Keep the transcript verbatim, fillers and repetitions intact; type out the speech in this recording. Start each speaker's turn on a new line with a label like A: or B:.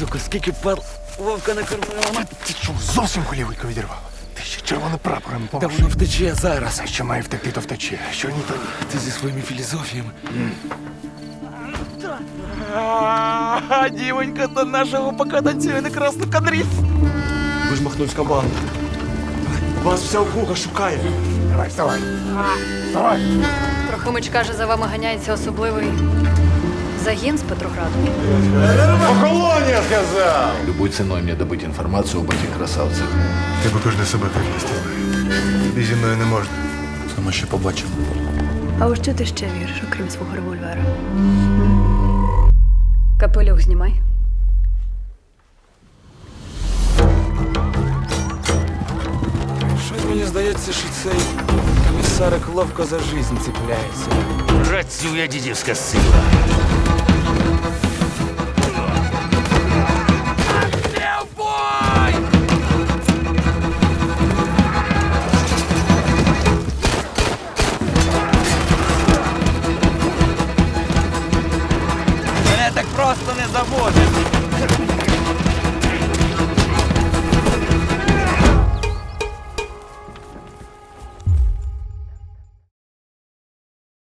A: Славко, скільки пар Вовка накормила. Мать,
B: Ти що, зовсім голівку відірвало? Ти ще червоним прапором
A: та
B: помаш.
A: воно втече зараз.
B: А що має втекти, то втече. Що ні, то ні.
A: Ти зі своїми філізофіями. А, дівонька до нашого пока танцює на красну кадрі.
C: Ви ж махнувська банда. Вас вся округа шукає.
B: Давай, вставай. Вставай.
D: Трохимич каже, за вами ганяється особливий загін з Петрограду.
E: Любой ценой мне добыть информацию об этих красавцах.
B: Ти будеш для себе так вести. Тобі зі мною не можна.
C: Це ми ще побачимо.
D: А у що ти ще віриш, окрім свого револьвера? Капелюх знімай.
A: Щось мені здається, що цей комісарик ловко за жизнь цепляється.
F: Працює дідівська сила.